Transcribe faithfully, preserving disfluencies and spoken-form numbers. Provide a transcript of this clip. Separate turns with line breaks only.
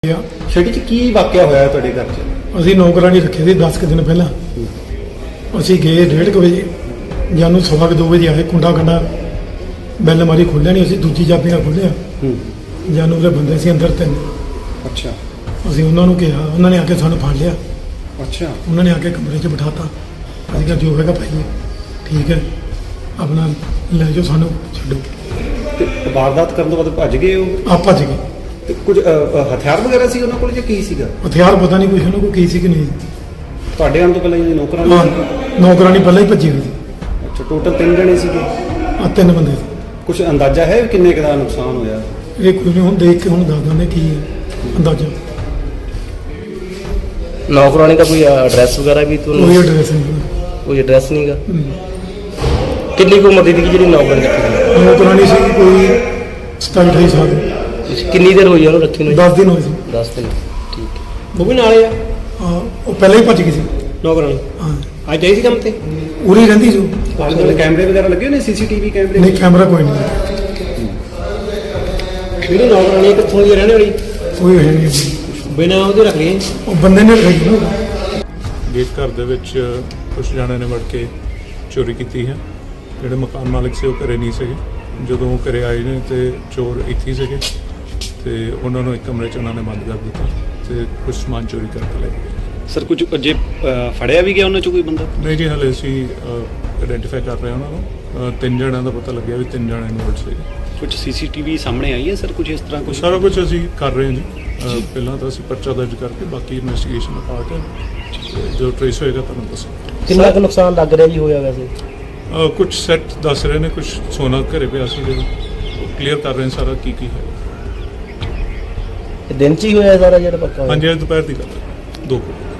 ਛੇੜੀ 'ਚ ਕੀ ਵਾਕਿਆ ਹੋਇਆ ਤੁਹਾਡੇ ਘਰ 'ਚ?
ਅਸੀਂ ਨੌਕਰਾਨੀ ਰੱਖੇ ਸੀ ਦਸ ਕੁ ਦਿਨ ਪਹਿਲਾਂ। ਅਸੀਂ ਗਏ ਡੇਢ ਕੁ ਵਜੇ, ਜਾਨੂੰ ਸਵਾ ਕੁ ਦੋ ਵਜੇ ਆਏ। ਕੁੰਡਾ ਕੰਡਾ ਬੈਲ ਮਾਰੀ, ਖੋਲ੍ਹਿਆ ਨਹੀਂ। ਅਸੀਂ ਦੂਜੀ ਚਾਬੀ ਨਾਲ ਖੋਲ੍ਹਿਆ। ਜਾਨੂੰ ਦੇ ਬੰਦੇ ਸੀ ਅੰਦਰ ਤਿੰਨ।
ਅੱਛਾ।
ਅਸੀਂ ਉਹਨਾਂ ਨੂੰ ਕਿਹਾ, ਉਹਨਾਂ ਨੇ ਆ ਕੇ ਸਾਨੂੰ ਫੜ ਲਿਆ।
ਅੱਛਾ।
ਉਹਨਾਂ ਨੇ ਆ ਕੇ ਕਮਰੇ 'ਚ ਬਿਠਾਤਾ। ਅਸੀਂ ਕਿਹਾ ਜੋ ਹੋਵੇਗਾ ਭਾਈ ਠੀਕ ਹੈ, ਆਪਣਾ ਲੈ ਜਾਓ, ਸਾਨੂੰ ਛੱਡੋ।
ਤੇ ਵਾਰਦਾਤ ਕਰਨ ਤੋਂ ਬਾਅਦ ਭੱਜ ਗਏ ਉਹ?
ਆ ਭੱਜ ਗਏ।
ਤੇ ਕੁਝ ਅ, ਅ, ਹਥਿਆਰ ਵਗੈਰਾ ਸੀ ਉਹਨਾਂ ਕੋਲ ਜਾਂ ਕੀ ਸੀਗਾ?
ਹਥਿਆਰ ਪਤਾ ਨਹੀਂ ਕੁਛ ਉਹਨਾਂ ਕੋਲ ਕੀ ਸੀ ਕਿ ਨਹੀਂ।
ਤੁਹਾਡੇ ਆਉਣ ਤੋਂ ਪਹਿਲਾਂ ਇਹ ਨੌਕਰਾਂ
ਹਾਂ,
ਸੀ?
ਨੌਕਰਾਨੀ ਪਹਿਲਾਂ ਹੀ ਭੱਜੀ ਹੋਈ ਸੀ।
ਅੱਛਾ, ਟੋਟਲ ਤਿੰਨ ਜਣੇ ਸੀਗੇ?
ਆ ਤਿੰਨ ਬੰਦੇ ਸੀ।
ਕੁਝ ਅੰਦਾਜ਼ਾ ਹੈ ਕਿੰਨੇ ਕੁ ਦਾ ਨੁਕਸਾਨ ਹੋਇਆ?
ਇਹ ਕੋਈ ਨਹੀਂ, ਹੁਣ ਦੇਖ ਕੇ ਹੁਣ ਦੱਸ ਦਿੰਦੇ ਕੀ ਹੈ ਅੰਦਾਜ਼ਾ।
ਨੌਕਰਾਨੀ ਦਾ ਕੋਈ ਐਡਰੈਸ ਵਗੈਰਾ ਵੀ ਤੁਹਾਨੂੰ?
ਕੋਈ ਐਡਰੈਸ ਨਹੀਂ।
ਕੋਈ ਐਡਰੈਸ ਨਹੀਂਗਾ। ਕਿੰਨੀ ਕੁ ਉਮਰ ਦੀ ਸੀ ਜਿਹੜੀ ਨੌਕਰਾਨੀ ਰੱਖੀ ਸੀ?
ਨੌਕਰਾਨੀ ਸੀ ਕੋਈ ਸਤਾਈ ਅਠਾਈ ਸਾਲ ਦੀ।
ਸੀ ਕਿੰਨੀ ਦੇਰ ਹੋਈ ਉਹਨੂੰ ਰੱਖੀ ਨੂੰ?
ਦਸ ਦਿਨ ਹੋਏ ਸੀ।
ਦਸ ਦਿਨ। ਠੀਕ ਹੈ।
ਉਹ ਵੀ ਨਾਲੇ ਆ
ਹਾਂ, ਉਹ ਪਹਿਲਾਂ ਹੀ ਭੱਜ ਗਈ ਸੀ।
ਨੌਕਰਾਨੀ
ਹਾਂ,
ਅੱਜ ਆਈ ਸੀ ਕੰਮ ਤੇ?
ਉਰੀ ਰਹਿੰਦੀ ਸੀ।
ਆਲੇ ਦੁਆਲੇ ਕੈਮਰੇ ਵਗੈਰਾ ਲੱਗੇ ਹੋਏ ਨੇ? ਸੀਸੀਟੀਵੀ ਕੈਮਰੇ?
ਨਹੀਂ, ਕੈਮਰਾ ਕੋਈ ਨਹੀਂ।
ਜਿਹੜੀ ਨੌਕਰਾਨੀ ਕਿੱਥੋਂ ਦੀ ਰਹਿਣੇ ਵਾਲੀ?
ਕੋਈ ਹੈ ਨਹੀਂ।
ਬਿਨਾਂ ਉਹਦੇ ਰੱਖ ਲਏ।
ਉਹ ਬੰਦੇ ਨੇ ਰੱਖੀ ਨਾ।
ਗੇਟ ਘਰ ਦੇ ਵਿੱਚ ਕੁਝ ਜਣਿਆਂ ਨੇ ਵੜ ਕੇ ਚੋਰੀ ਕੀਤੀ ਹੈ। ਜਿਹੜੇ ਮਕਾਨ ਮਾਲਕ ਸੀ ਉਹ ਘਰੇ ਨਹੀਂ ਸੀਗੇ। ਜਦੋਂ ਘਰੇ ਆਏ ਨੇ ਤੇ ਚੋਰ ਇੱਥੇ ਹੀ ਸੀਗੇ ਤੇ ਉਹਨਾਂ ਨੂੰ ਇੱਕ ਕਮਰੇ 'ਚ ਉਹਨਾਂ ਨੇ ਬੰਦ ਕਰ ਦਿੱਤਾ ਤੇ ਕੁਝ ਸਮਾਨ ਚੋਰੀ ਕਰਕੇ ਲੈ ਗਏ।
ਸਰ ਕੁਝ ਜੇ ਫੜਿਆ ਵੀ ਗਿਆ ਉਹਨਾਂ 'ਚੋਂ ਕੋਈ ਬੰਦਾ?
ਨਹੀਂ ਜੀ, ਹਾਲੇ ਅਸੀਂ ਆਇਡੈਂਟੀਫਾਈ ਕਰ ਰਹੇ ਹਾਂ ਉਹਨਾਂ ਨੂੰ। ਅ, ਤਿੰਨ ਜਣਿਆਂ ਦਾ ਪਤਾ ਲੱਗਿਆ ਵੀ ਤਿੰਨ ਜਣੇ ਇਨਵੋਲਡ ਸੀਗੇ।
ਕੁਝ ਸੀਸੀਟੀਵੀ ਸਾਹਮਣੇ ਆਈ ਹੈ ਸਰ? ਕੁਝ ਇਸ ਤਰ੍ਹਾਂ ਕੁਝ?
ਸਾਰਾ ਕੁਝ ਅਸੀਂ ਕਰ ਰਹੇ ਹਾਂ ਜੀ। ਅ, ਪਹਿਲਾਂ ਤਾਂ ਅਸੀਂ ਪਰਚਾ ਦਰਜ ਕਰਕੇ ਬਾਕੀ ਇਨਵੈਸਟੀਗੇਸ਼ਨ ਦਾ ਪਾਰਟ ਹੈ। ਜੋ ਟ੍ਰੇਸ ਹੋਏਗਾ ਤੁਹਾਨੂੰ ਦੱਸਾਂਗੇ।
ਕਿੰਨਾ ਕੁ ਨੁਕਸਾਨ ਲੱਗ ਰਿਹਾ ਜੀ ਹੋਇਆ ਵੈਸੇ?
ਅ, ਕੁਝ ਸੈੱਟ ਦੱਸ ਰਹੇ ਨੇ, ਕੁਝ ਸੋਨਾ ਘਰੇ ਪਿਆ ਸੀ। ਜਦੋਂ ਕਲੀਅਰ ਕਰ ਰਹੇ ਨੇ ਸਾਰਾ ਕੀ ਕੀ ਹੈ।
ਇਹ ਦਿਨ ਚ ਹੀ ਹੋਇਆ ਸਾਰਾ ਜਿਹੜਾ ਪੱਕਾ ਹੋਇਆ?
ਹਾਂਜੀ, ਅੱਜ ਦੁਪਹਿਰ ਦੀ ਗੱਲ ਹੈ, ਦੋ ਕੁ